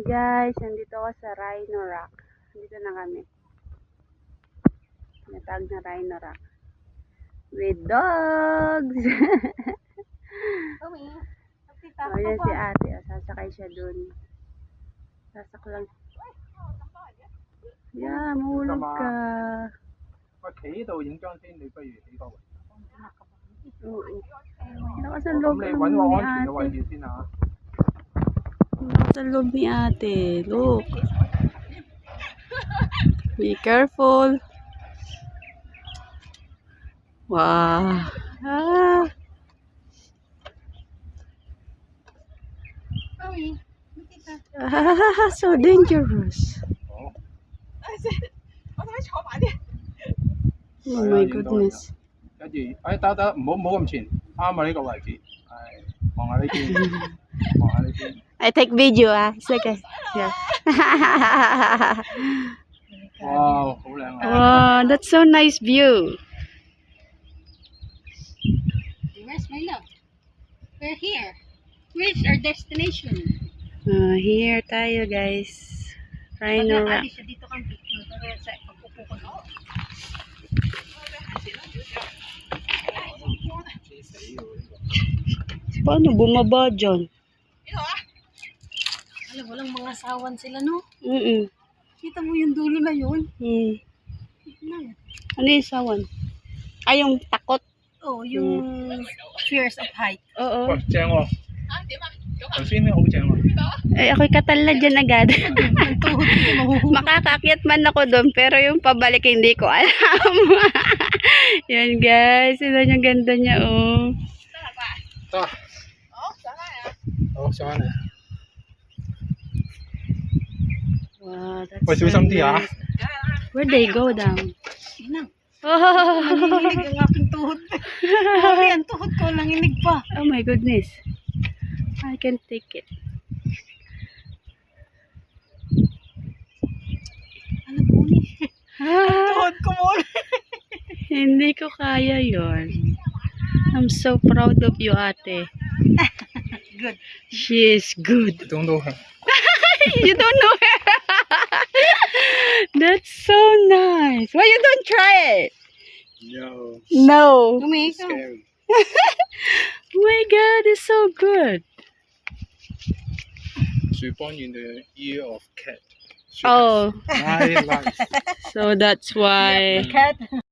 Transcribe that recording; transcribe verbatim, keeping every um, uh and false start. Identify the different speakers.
Speaker 1: guys, nandito ako sa Rhino Rock. Nandito na kami. Natag na Rhino Rock. With dogs! Oh, yan si ate. Oh, sasakay siya dun. Sasak lang. Yeah, mahulog ka.
Speaker 2: 我企呢度影張先，你不如起個位。
Speaker 1: Oo. Naka sa loob
Speaker 2: 咁你
Speaker 1: ng
Speaker 2: 揾個
Speaker 1: ni
Speaker 2: 安全嘅位
Speaker 1: ate.
Speaker 2: 置先啊。
Speaker 1: Naka sa loob ni ate. Look. Be careful. Wow. Ah. Ah, so dangerous. Oh my goodness.
Speaker 2: 跟住，哎得得，唔好唔好咁前，啱啊呢個位置，係望下呢邊，望下呢邊。
Speaker 1: I take video ah. It's okay. Yeah.
Speaker 2: Wow，好靚啊！
Speaker 1: Wow, that's so nice view.
Speaker 3: Where's my love? We're here. Where's our destination?
Speaker 1: Uh, here tayo guys. Rhino Rock.
Speaker 3: Sabi siya dito kang picture. Pero sa pagpupo ko na.
Speaker 1: Paano bumaba dyan?
Speaker 3: Alam, walang mga sawan sila, no?
Speaker 1: Mm-mm.
Speaker 3: Kita mo yung dulo na yun.
Speaker 1: Hmm. Ano yung sawan? Ay, yung takot.
Speaker 3: Oh, yung fears of height.
Speaker 1: Oo.
Speaker 2: 喂，正喎！頭先咧好正喎。
Speaker 1: Ay, ako'y katala dyan agad. Makakaakyat man ako doon, pero yung pabalik hindi ko alam. Yan guys, ito yung ganda niya, oh.
Speaker 2: 得。好，上嚟。
Speaker 1: Wow, that's
Speaker 2: 喂，小心啲啊！
Speaker 1: nice. Where they go down?
Speaker 3: Inang,
Speaker 1: Oh,
Speaker 3: nanginginig ang aking tuhod. Grabe, ang tuhod ko, nanginig pa.
Speaker 1: oh my goodness. I can take it.
Speaker 3: Alam mo ni,
Speaker 1: Ah,
Speaker 3: tuhod ko mo.
Speaker 1: hindi ko kaya yon. I'm so proud of you, ate.
Speaker 3: Good.
Speaker 1: She is good.
Speaker 2: 中到係。
Speaker 1: You don't know her. That's so nice. Why you don't try it?
Speaker 2: No.
Speaker 1: No.
Speaker 3: Tumika.
Speaker 2: Scary.
Speaker 1: Oh my God, it's so good.
Speaker 2: Should born in the year of cat.
Speaker 1: Oh,
Speaker 2: Nine lives.
Speaker 1: so that's why.
Speaker 3: Cat.